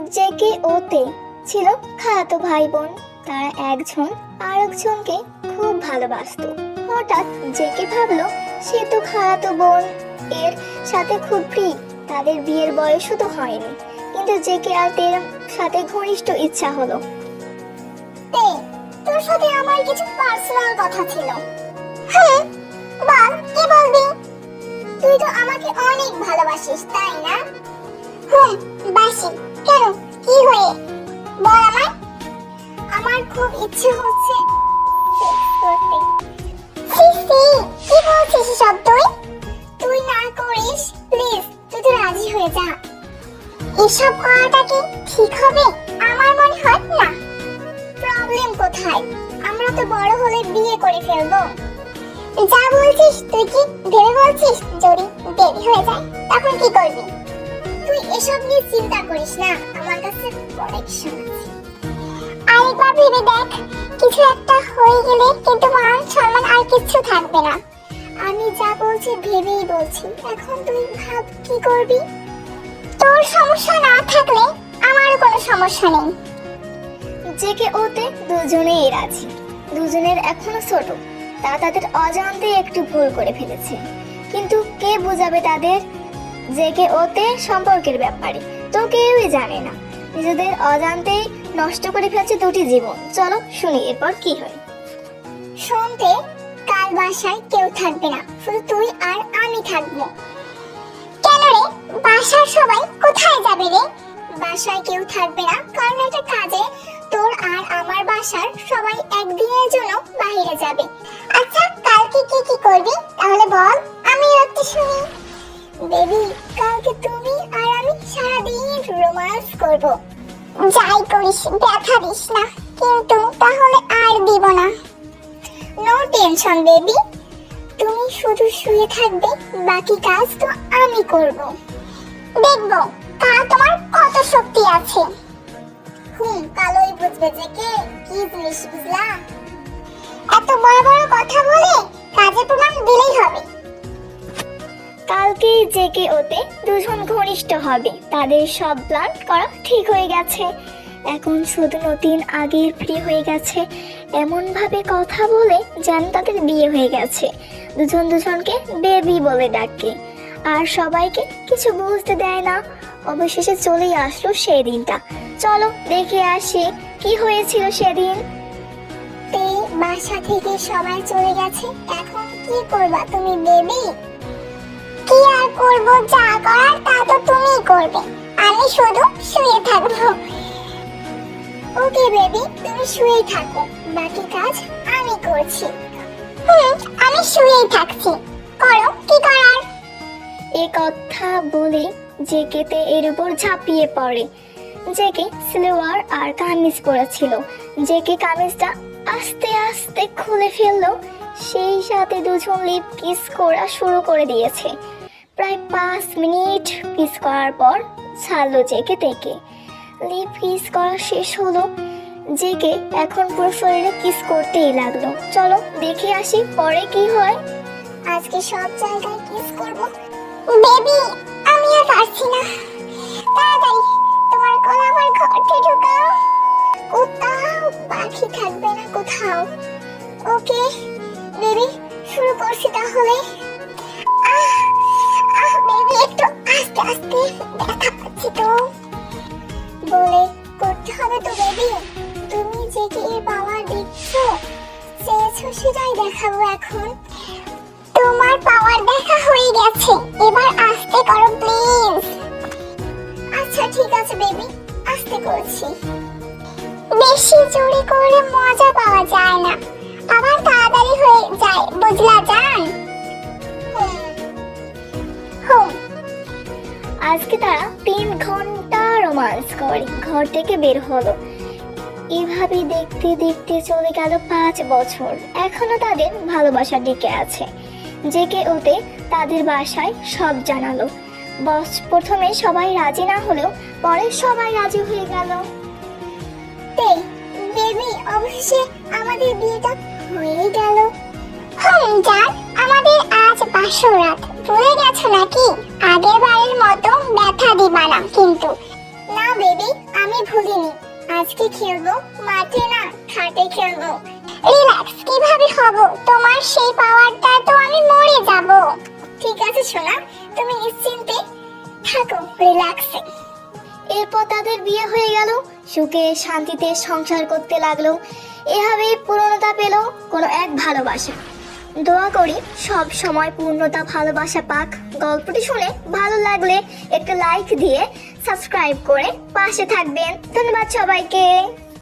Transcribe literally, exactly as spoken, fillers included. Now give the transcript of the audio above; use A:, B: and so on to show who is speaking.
A: JK ওতে ছিল খালাতো ভাই বোন। তারা একজন আরেকজনকে খুব ভালোবাসতো। হঠাৎ জেকে ভাবলো সে তো খালাতো বোন এর সাথে খুব প্রিয়, তাদের বিয়ের বয়সও তো হয়নি, কিন্তু জেকে আর তের সাথে ঘনিষ্ঠ ইচ্ছা হলো।
B: তে, তোর সাথে আমার কিছু পার্সোনাল কথা ছিল। হ্যাঁ বল, কি বলবি? তুই তো আমাকে অনেক ভালোবাসিস, তাই না? হুম, বাসি। কেন, কি হয়ে? বল আমায়। আমার খুব ইচ্ছে হচ্ছে সেক্স করতে। সি সি, কি বলছিস সব তুই? তুই না করিস প্লিজ, তুই তো রাজি হয়ে যা। এসব করাটা কি ঠিক হবে? আমার মনে হয় না। প্রবলেম কোথায়? আমরা তো বড় হলে বিয়ে করে ফেলবো। যা বলছিস তুই কি ভেবে বলছিস? যদি দেরি হয়ে যায় তখন কি করবি? তুই এসব নিয়ে চিন্তা করিস না, আমার কাছে প্রোটেকশন আছে। আরেকবার ভেবে দেখ, কিছু একটা হয়ে গেলে কিন্তু মান সম্মান আর কিচ্ছু থাকবে না। আমি যা বলছি ভেবেই বলছি, এখন তুই ভাব কি করবি। তোর সমস্যা না থাকলে আমারও কোনো সমস্যা নেই।
A: জেকে ওতে দুজনেই রাজি। দুজনের এখনো ছোট, তা তাদের অজান্তে একটু ভুল করে ফেলেছে, কিন্তু কে বোঝাবে তাদের জেকে ওতে সম্পর্কের ব্যাপারে? তো কেউই জানে না। নিজেদের অজান্তেই নষ্ট করে ফেলছে দুটি জীবন। চলো শুনি এরপর কি হয়।
B: শুনতে, কাল বাসায় কেউ থাকবে না, শুধু তুই আর আমি থাকবো। কেন রে, বাসার সবাই কোথায় যাবে রে? বাসায় কেউ থাকবে না কারণ একটা কাজে তোর আর আমার বাসার সবাই একদিনের জন্য বাইরে যাবে। আচ্ছা, কালকে কি কি করবি তাহলে বল, আমি একটু শুনি। বেবি, কালকে তুমি আর আমি সারাদিন রোমান্স করব। যাই করিস ব্যথা দিস না, কিন্তু তাহলে আর দিব না। নো টেনশন বেবি, তুমি শুধু শুয়ে থাকবে, বাকি কাজ তো আমি করব। দেখবো কাল তোমার কত শক্তি আছে। হুম, কালই বুঝবে যে কে কি জিনিস, বুঝলা? এত বড় বড় কথা বলে কাজে প্রমাণ দিলেই হবে।
A: কালকে জেকে ওতে দুজন ঘনিষ্ঠ হবে। তাদের সব প্ল্যান করা ঠিক হয়ে গেছে। এখন শুধু নতুন আগের ফ্রি হয়ে গেছে, এমন ভাবে কথা বলে যেন তাদের বিয়ে হয়ে গেছে। দুজন দুজনকে বেবি বলে ডাকে, আর সবাইকে কিছু বুঝতে দেয় না। অবশেষে চলেই আসলো সেই দিনটা। চলো দেখে আসি কি হয়েছিল সেদিন।
B: তে, বাসা থেকে সবাই চলে গেছে, এখন কি করবা তুমি বেবি? কি আর করব, যা করার তা তো তুমিই করবে, আমি শুধু শুয়ে থাকবো। ওকে বেবি, তুমি শুয়েই থাকো, বাকি কাজ আমি করছি। হুম, আমি শুয়েই থাকছি, করো কি করার।
A: এ কথা বলে জেকেতে এর উপর ঝাঁপিয়ে পড়ে। জেকে সালোয়ার আর কামিজ পরেছিল। জেকে কামিজটা আস্তে আস্তে খুলে ফেললো, সেই সাথে দুজন লিপ কিস করা শুরু করে দিয়েছে। প্রায় পাঁচ মিনিট কিস করার পর ছাড়লো জেকে থেকে। লিপ কিস করা শেষ হলো, জেকে এখন পুরো শরীরে কিস করতেই লাগলো। চলো দেখে আসি পরে কি হয়।
B: আজকে সব জায়গায় কিস করব। বেবি, আমি আর পারছি না, তাড়াতাড়ি তোমার গলা আমার ঘরে ঢুকাও। কোথাও বাকি থাকবে না, কোথাও। ওকে বেবি, শুরু করছি তাহলে। আহ আহ বেবি, একটু আস্তে আস্তে, ব্যথা পাচ্ছি তো। বলে করতে হবে তো বেবি, তুমি যে কি এর পাওয়ার দেখছো, চেয়েছো সেটাই দেখাবো এখন। তোমার পাওয়ার দেখা হয়ে গেছে, এবার আস্তে করো প্লিজ। আচ্ছা ঠিক আছে বেবি, আস্তে করছি। বেশি জোরে করলে মজা পাওয়া যায় না, আবার তাড়াতাড়ি হয়ে যায়, বুঝলা জান? হুম।
A: আজকে তারা তিন ঘন্টা রোমান্স করে ঘর থেকে বের হলো। এভাবে দেখতে দেখতে চলে গেল পাঁচ বছর। এখনো তাদের ভালোবাসা টিকে আছে। জেকে ওতে তাদের বাসায় সব জানালো। বস প্রথমে সবাই রাজি না হলেও পরে সবাই রাজি হয়ে গেল।
B: তে, বেবি, অবশেষে আমাদের বিয়েটা হয়ে গেল। হুম জান, আমাদের আজ বাসরাত, ভুলে গেছো নাকি? আগের বারের মতো ব্যথা দিবা না কিন্তু। না বেবি, আমি আজকে খেলবো মাঠে না খাটে খেলবো। রিল্যাক্স কিভাবে হব, তোমার সেই পাওয়ারটা তো আমি মরে যাব। ঠিক আছে সোনা, তুমি নিশ্চিন্তে থাকো, রিল্যাক্সে।
A: এরপর তাদের বিয়ে হয়ে গেল, সুখে শান্তিতে সংসার করতে লাগলো। এভাবেই পূর্ণতা পেল কোনো এক ভালোবাসা। দোয়া করি সব সময় পূর্ণতা ভালোবাসা পাক। গল্পটি শুনে ভালো লাগলে একটা লাইক দিয়ে সাবস্ক্রাইব করে পাশে থাকবেন। ধন্যবাদ সবাইকে।